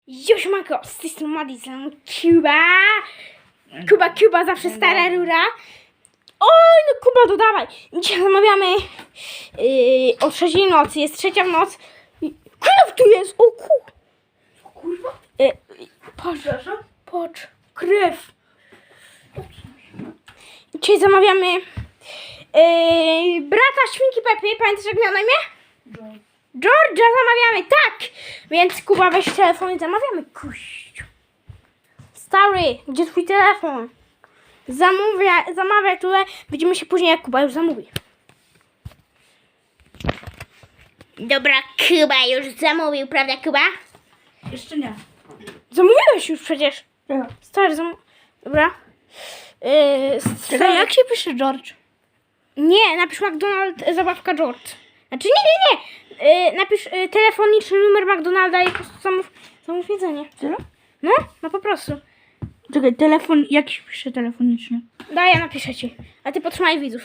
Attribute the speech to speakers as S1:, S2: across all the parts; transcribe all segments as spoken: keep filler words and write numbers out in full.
S1: Już manko, z tej strony Madison, Kuba. Kuba, Kuba, zawsze stara rura. Oj, no Kuba, dodawaj. Dzisiaj zamawiamy yy, o trzeciej nocy, jest trzecia w noc. Krew tu jest, o kur...
S2: Kurwa?
S1: Yy, patrz, patrz, krew. Dzisiaj zamawiamy yy, brata świnki Pepy, pamiętasz jak miał na imię? George'a zamawiamy, tak! Więc Kuba, weź telefon i zamawiamy. Kuściu. Stary, gdzie twój telefon? Zamówia, zamawiaj tutaj. Widzimy się później, jak Kuba już zamówi. Dobra, Kuba już zamówił, prawda Kuba?
S2: Jeszcze nie.
S1: Zamówiłeś już przecież.
S2: Ja.
S1: Stary, zam... Dobra. Yy,
S2: Czekaj, jak się pisze George?
S1: Nie, napisz McDonald, e, zabawka George. Znaczy nie, nie, nie. Yy, napisz yy, telefoniczny numer McDonalda i po prostu zamów, zamów jedzenie.
S2: Tyle?
S1: No, no po prostu.
S2: Czekaj, telefon, jak się pisze telefonicznie?
S1: Daj, ja napiszę ci. A ty potrzymaj widzów.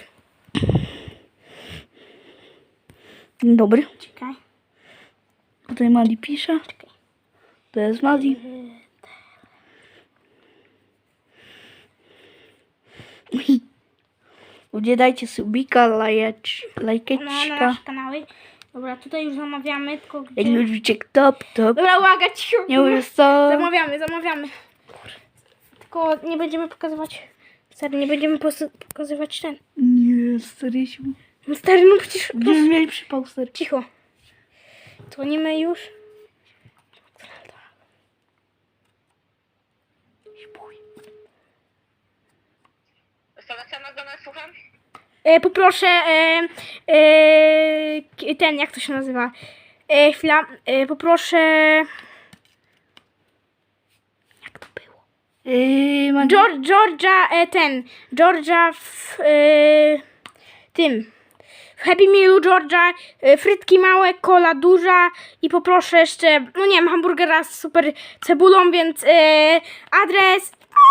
S2: Dzień dobry.
S1: Czekaj.
S2: Tutaj Mali pisze.
S1: Czekaj.
S2: To jest Mali. Ludzie, dajcie subika, lajecz,
S1: No, na
S2: lajkeczka.
S1: nasze kanały. Dobra, tutaj już zamawiamy, tylko gdzie...
S2: Jak lubicie top, top.
S1: Dobra, uwaga, cicho.
S2: Nie mówisz co?
S1: Zamawiamy, zamawiamy. Tylko nie będziemy pokazywać... Stary, nie będziemy pos- pokazywać ten.
S2: Nie, starysiu.
S1: No stary, no przecież...
S2: Będziemy mieli przypał, stary.
S1: Cicho. Dzwonimy już.
S3: Restauracja McDonald's, słucham?
S1: E, poproszę e, e, k- ten, jak to się nazywa? E, chwila, e, poproszę... Jak to było?
S2: Yy, Mali.
S1: George, Georgia, e, ten, Georgia w e, tym, w Happy Mealu Georgia, e, frytki małe, cola duża i poproszę jeszcze, no nie wiem, hamburgera z super cebulą, więc e, adres,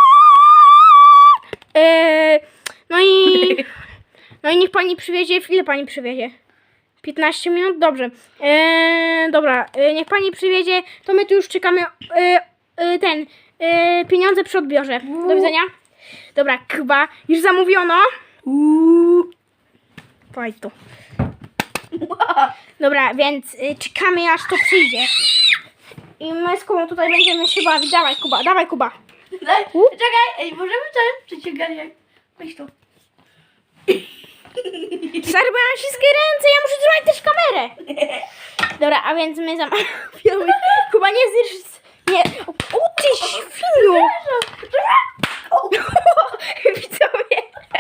S1: e, no i, no i niech pani przywiezie, ile pani przywiezie? piętnaście minut? Dobrze. E, dobra, e, niech pani przywiezie, to my tu już czekamy, e, e, ten, e, pieniądze przy odbiorze. Do widzenia. Dobra, Kuba, już zamówiono.
S2: Uuu.
S1: Faj tu. Dobra, więc y, czekamy aż to przyjdzie. I my z Kubą tutaj będziemy się bawić. Dawaj Kuba, dawaj Kuba.
S2: Daj, czekaj, ej, możemy coś przeciąganie. Weź to.
S1: Stary, bo ja mam śliskie ręce, ja muszę trzymać też kamerę. Dobra, a więc my zamawiamy. Kuba, nie zjesz... Nie, o, o ty świniu. Widzowie.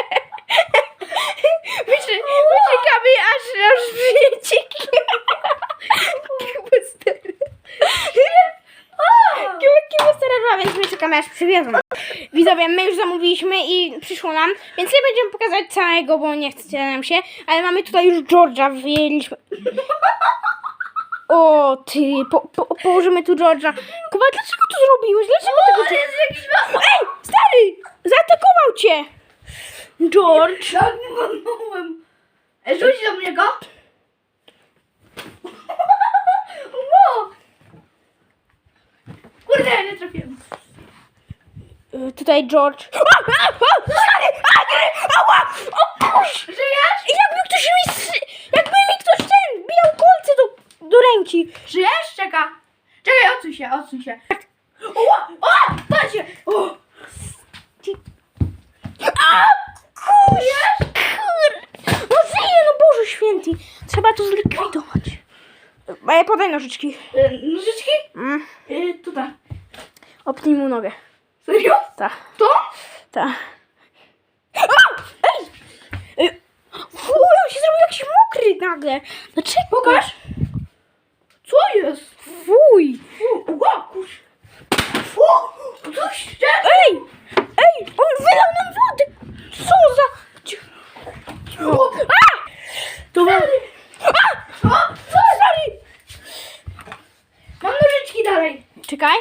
S1: Wyczekamy aż, aż wyjdzie Kuba stary. Kuba, Kuba stara była, więc my czekamy aż przywiozą. Widzowie, my już zamówiliśmy i przyszło nam, więc nie będziemy pokazać całego, bo nie chce nam się, ale mamy tutaj już George'a, wyjęliśmy. O ty, po, po, położymy tu George'a. Kuba, dlaczego to zrobiłeś? Dlaczego tego... Ty... Ej, stary, zaatakował cię. George.
S2: Tak, nie wolnąłem. Ej, rzuć do mnie go. Ło. Kurde, ja nie trafiłem.
S1: Y, Tutaj George. A, a, a, stary, a, nie, ała, o kurz.
S2: Żyjesz?
S1: Jakby ktoś mi, strzy- jakby mi ktoś ten bijał kolce do, do ręki.
S2: Żyjesz? Czeka. Czekaj, odsuń się, odsuń się. O, o, patrzcie. O.
S1: A, kurz. Kur... No żyje, no Boże święty. Trzeba to zlikwidować. E, podaj nożyczki.
S2: E, Nożyczki?
S1: Mm.
S2: E, tutaj.
S1: Opnij mu nogę.
S2: Serio?
S1: Ta,
S2: To?
S1: ta. A! Ej! Ej! Fuj, on się zrobił jakiś mokry nagle. Dlaczego?
S2: Pokaż. Co jest?
S1: Fuj.
S2: Fu, ła, kurz. O, coś jeszcze?
S1: Ej! Ej! On wylał nam wodę! Co za...
S2: O,
S1: A! To ma... A!
S2: o, co?
S1: Sorry!
S2: Mam nożyczki dalej.
S1: Czekaj.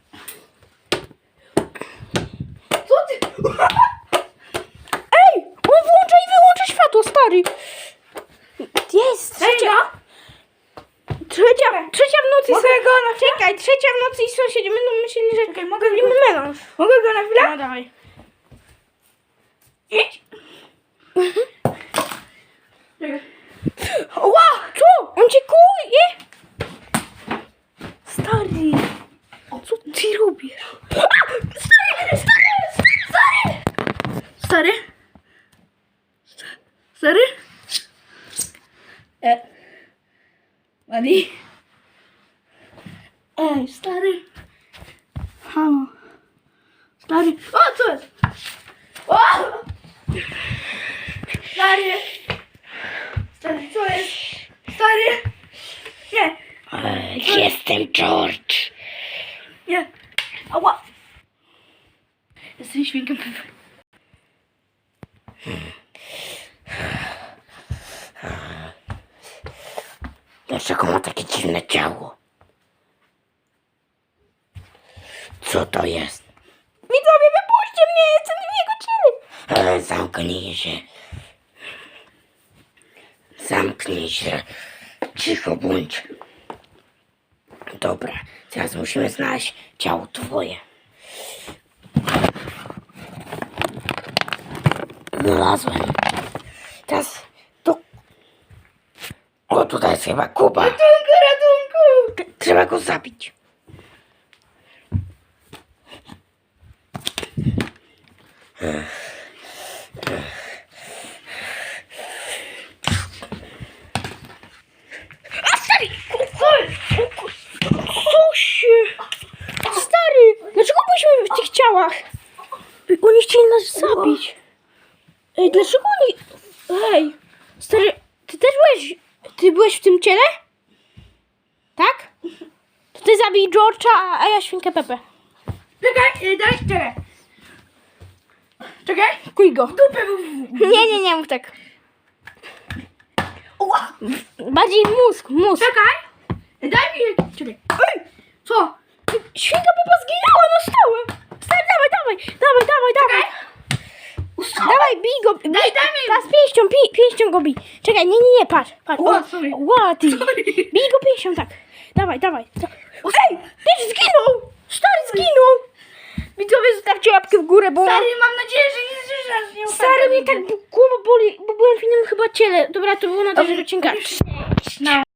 S2: Co ty?
S1: Ej! On włącza i wyłącza światło, stary! Jest!
S2: Serio?
S1: Trzecia, trzecia w nocy.
S2: Mogę
S1: są-
S2: go na chwilę?
S1: Czekaj, trzecia w nocy i sąsiedzi będą myśleli, że
S2: Czekaj, mogę
S1: robimy
S2: go,
S1: melanż.
S2: mogę go na chwilę?
S1: No dawaj.
S2: Idź. Czekaj.
S1: Ła! Co? On cię kuje? Stary. Co ty robisz?
S2: Stary, stary, stary, stary. Stary? Stary? E. Mali? Ej, stary. Halo. Stary. O, co jest? O! Stary. Stary, co jest? Stary. Nie,
S1: Jestem George.
S2: nie. Ała. Jestem świnkiem.
S4: Dlaczego ma takie dziwne ciało? Co to jest?
S1: Widzowie, wypuśćcie mnie, jestem w jego ciele.
S4: Ale zamknij się. Zamknij się. Cicho bądź. Dobra, teraz musimy znaleźć ciało twoje. Znalazłem. Teraz tu. O, tutaj jest chyba Kuba.
S2: Ratunku, ratunku.
S4: Trzeba go zabić.
S1: Co się? Stary, dlaczego byliśmy w tych ciałach? Oni chcieli nas zabić. Ej, dlaczego oni... Ej, stary, ty też byłeś... Ty byłeś w tym ciele? Tak? To ty zabij George'a, a ja świnkę Pepę.
S2: Czekaj, e, daj, czekaj. Czekaj.
S1: Kuj go.
S2: Dupę był.
S1: Nie, nie, nie mów tak.
S2: Ła.
S1: Bardziej mózg, mózg.
S2: Czekaj. E, Daj mi. Czekaj. Ej. Co?
S1: Świnka Pepa zginęła na stałe. Stary, dawaj, dawaj, dawaj, dawaj, dawaj.
S2: Ustawa.
S1: Dawaj, bij go. Bij.
S2: Daj, daj mi.
S1: Teraz pięścią, pi, pięścią go bij. Czekaj, nie, nie, nie, patrz, patrz.
S2: Ła,
S1: O,
S2: sorry.
S1: ła, ty.
S2: Sorry.
S1: Bij go pięścią, tak. Dawaj, dawaj. Ej, też zginął. Stary zginął. Widzowie, zostawcie łapkę w górę, bo...
S2: Stary, mam nadzieję, że nie zrzucasz mnie.
S1: Stary, mnie tak głowa boli, bo byłem w innym chyba ciele. Dobra, to było na tym odcinka.
S2: No.